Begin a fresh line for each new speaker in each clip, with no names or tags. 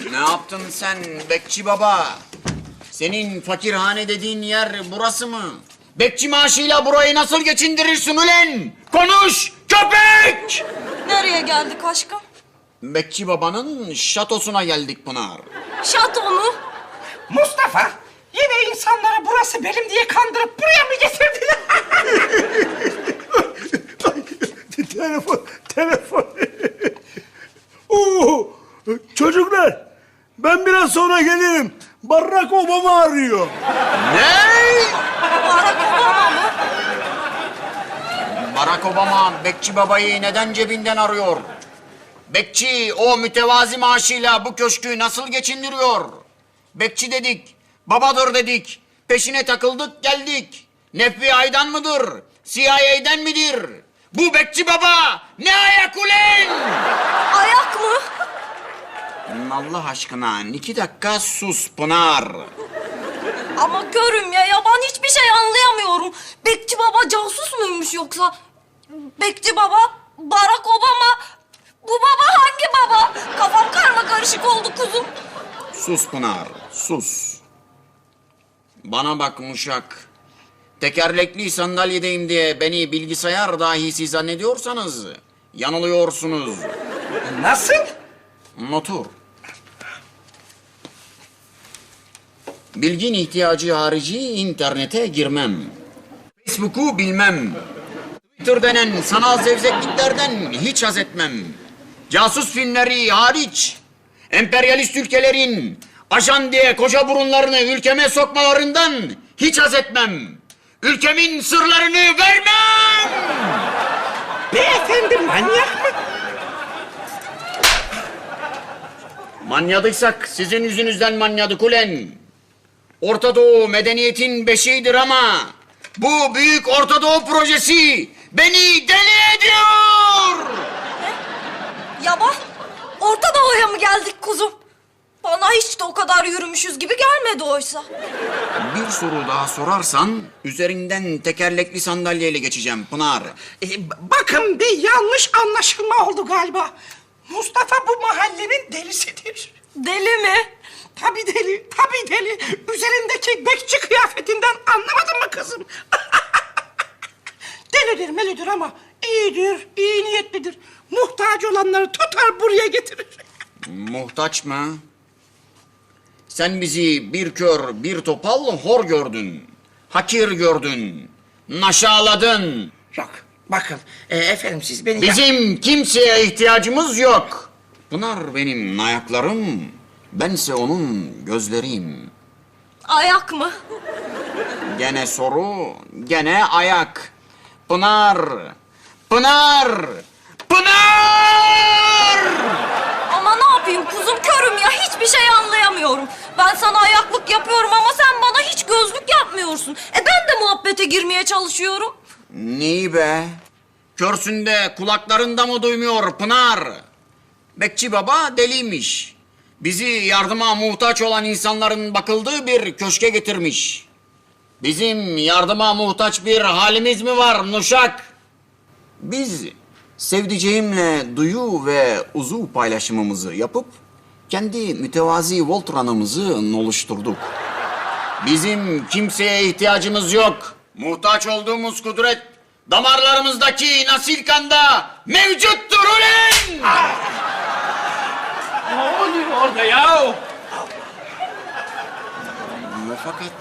Ne yaptın sen bekçi baba? Senin fakirhane dediğin yer burası mı? Bekçi maaşıyla burayı nasıl geçindirirsin ulen? Konuş köpek!
Nereye geldik aşkım?
Bekçi babanın şatosuna geldik Pınar.
Şato mu?
Mustafa, yine insanları burası benim diye kandırıp buraya mı getirdin?
Telefon. Oo, çocuklar, ben biraz sonra gelirim. Barack Obama arıyor.
Ne?
Barack Obama mı?
Barack Obama bekçi babayı neden cebinden arıyor? Bekçi o mütevazi maaşıyla bu köşkü nasıl geçindiriyor? Bekçi dedik, babadır dedik. Peşine takıldık geldik. FBI'dan mıdır? CIA'den midir? Bu bekçi baba ne ayak ulen?
Ayak mı?
Allah aşkına 2 dakika sus Pınar.
Ama görüm ya ben hiçbir şey anlayamıyorum. Bekçi baba casus muymuş yoksa? Bekçi baba, Barack Obama. Bu baba hangi baba? Kafam karma karışık oldu kuzum.
Sus Pınar, sus. Bana bak Muşak. Tekerlekli sandalyedeyim diye beni bilgisayar dahisi zannediyorsanız yanılıyorsunuz.
Nasıl?
Otur. Bilgin ihtiyacı harici internete girmem. Facebook'u bilmem. Twitter denen sanal zevzekliklerden hiç haz etmem. Casus filmleri hariç, emperyalist ülkelerin ajan diye koca burunlarını ülkeme sokmalarından hiç haz etmem. Ülkemin sırlarını vermem!
Beyefendi manyak mı?
Manyadıysak sizin yüzünüzden manyadık ulen. Orta Doğu medeniyetin beşiğidir ama bu büyük Orta Doğu projesi beni deli ediyor!
Yaba, Orta Doğu'ya mı geldik kuzum? Bana hiç de o kadar yürümüşüz gibi gelmedi oysa.
Bir soru daha sorarsan üzerinden tekerlekli sandalyeyle geçeceğim Pınar.
Bakın bir yanlış anlaşılma oldu galiba. Mustafa bu mahallenin delisidir.
Deli mi?
Tabii deli, tabii deli. Üzerindeki bekçi kıyafetinden anlamadın mı kızım? Delidir melidir ama iyidir, iyi niyetlidir. Muhtaç olanları tutar buraya getirir.
Muhtaç mı? Sen bizi bir kör bir topal hor gördün. Hakir gördün. Naşaladın.
Yok, bakın efendim siz beni...
Bizim kimseye ihtiyacımız yok. Pınar benim ayaklarım, bense onun gözleriyim.
Ayak mı?
Gene soru, gene ayak. Pınar, Pınar, Pınar!
Ama ne yapayım kuzum, körüm ya, hiçbir şey anlayamıyorum. Ben sana ayaklık yapıyorum ama sen bana hiç gözlük yapmıyorsun. Ben de muhabbete girmeye çalışıyorum.
Neyi be? Körsün de kulaklarında mı duymuyor Pınar? Bekçi baba deliymiş. Bizi yardıma muhtaç olan insanların bakıldığı bir köşke getirmiş. Bizim yardıma muhtaç bir halimiz mi var Nuşak? Biz sevdiceğimle duyu ve uzuv paylaşımımızı yapıp kendi mütevazi Voltran'ımızı oluşturduk. Bizim kimseye ihtiyacımız yok. Muhtaç olduğumuz kudret damarlarımızdaki nasil kanda mevcuttur ulen!
Ne oluyor orada ya?
Ve fakat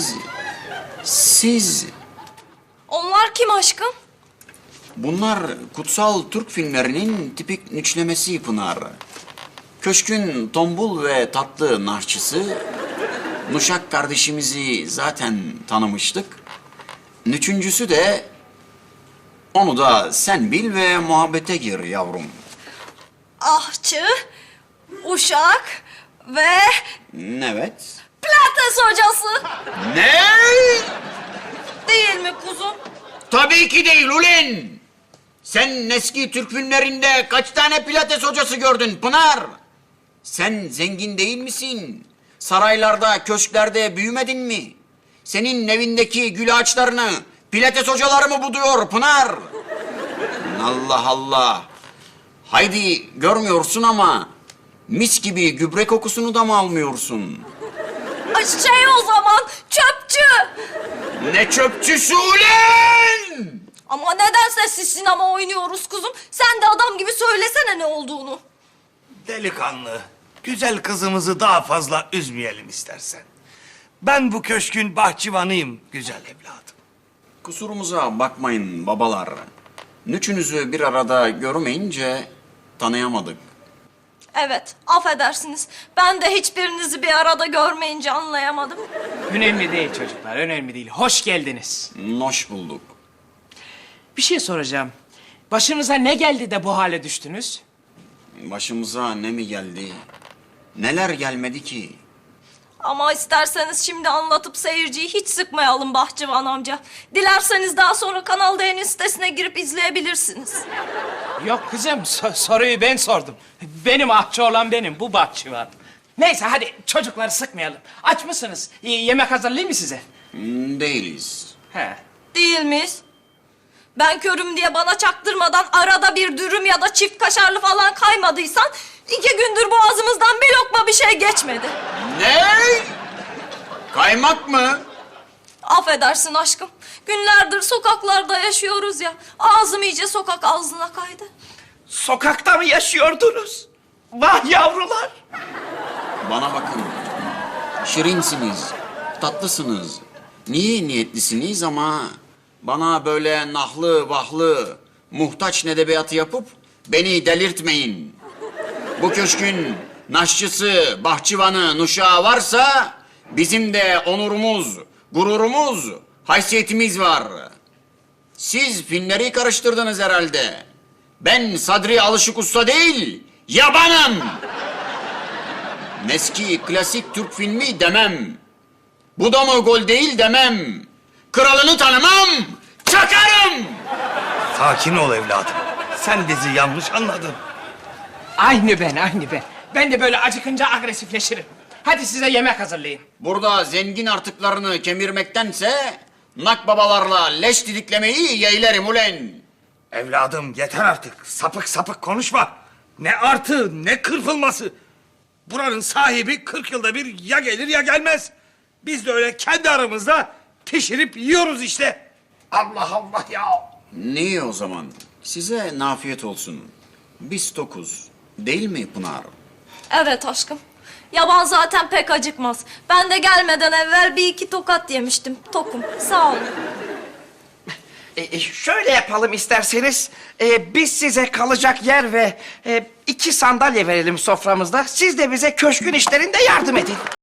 siz...
Onlar kim aşkım?
Bunlar kutsal Türk filmlerinin tipik nüçlemesi Pınar. Köşkün tombul ve tatlı narçısı, Nuşak kardeşimizi zaten tanımıştık. Üçüncüsü de, onu da sen bil ve muhabbete gir yavrum.
Ahçı, Uşak ve
Evet.
Pilates hocası.
Ne?
Değil mi kuzum?
Tabii ki değil ulen. Sen eski Türk filmlerinde kaç tane pilates hocası gördün Pınar? Sen zengin değil misin? Saraylarda, köşklerde büyümedin mi? Senin evindeki gül ağaçlarını pilates hocaları mı buduyor Pınar? Allah Allah. Haydi görmüyorsun ama Mis gibi gübre kokusunu da mı almıyorsun?
Şey o zaman çöpçü.
Ne çöpçüsü ulan!
Ama neden sessiz sinema oynuyoruz kuzum? Sen de adam gibi söylesene ne olduğunu.
Delikanlı, güzel kızımızı daha fazla üzmeyelim istersen. Ben bu köşkün bahçıvanıyım güzel evladım.
Kusurumuza bakmayın babalar. Üçünüzü bir arada görmeyince tanıyamadık.
Evet, affedersiniz. Ben de hiçbirinizi bir arada görmeyince anlayamadım.
Önemli değil çocuklar, önemli değil. Hoş geldiniz.
Hoş bulduk.
Bir şey soracağım. Başınıza ne geldi de bu hale düştünüz?
Başımıza ne mi geldi? Neler gelmedi ki?
Ama isterseniz şimdi anlatıp seyirciyi hiç sıkmayalım Bahçıvan amca. Dilerseniz daha sonra Kanal D'nin sitesine girip izleyebilirsiniz.
Yok kızım, soruyu ben sordum. Benim ahçı olan benim, bu bahçıvan. Neyse hadi çocukları sıkmayalım. Aç mısınız? Yemek hazırlayayım mı size?
Değiliz.
He.
Değil miyiz? Ben körüm diye bana çaktırmadan arada bir dürüm ya da çift kaşarlı falan kaymadıysan... ...2 gündür boğazımızdan bir lokma bir şey geçmedi.
Ne? Kaymak mı?
Affedersin aşkım. Günlerdir sokaklarda yaşıyoruz ya. Ağzım iyice sokak ağzına kaydı.
Sokakta mı yaşıyordunuz? Vah yavrular!
Bana bakın. Şirinsiniz, tatlısınız. Niye niyetlisiniz ama... ...bana böyle nahlı vahlı, muhtaç nedebiyatı yapıp... ...beni delirtmeyin. Bu köşkün naşçısı, bahçıvanı, nuşağı varsa... ...bizim de onurumuz, gururumuz, haysiyetimiz var. Siz filmleri karıştırdınız herhalde. Ben Sadri Alışık Usta değil, yabanım. Eski klasik Türk filmi demem. Bu da mı gol değil demem. Kralını tanımam, çakarım.
Sakin ol evladım. Sen bizi yanlış anladın.
Aynı ben. Ben de böyle acıkınca agresifleşirim. Hadi size yemek hazırlayayım.
Burada zengin artıklarını kemirmektense... ...nakbabalarla leş didiklemeyi yeğlerim ulen.
Evladım yeter artık. Sapık sapık konuşma. Ne artı ne kırpılması. Buranın sahibi 40 yılda bir ya gelir ya gelmez. Biz de öyle kendi aramızda pişirip yiyoruz işte. Allah Allah ya.
Niye o zaman? Size nafiyet olsun. Biz tokuz. Değil mi Pınar?
Evet aşkım. Yaban zaten pek acıkmaz. Ben de gelmeden evvel 1-2 tokat yemiştim. Tokum. Sağ olun.
Şöyle yapalım isterseniz. Biz size kalacak yer ve 2 sandalye verelim soframızda. Siz de bize köşkün işlerinde yardım edin.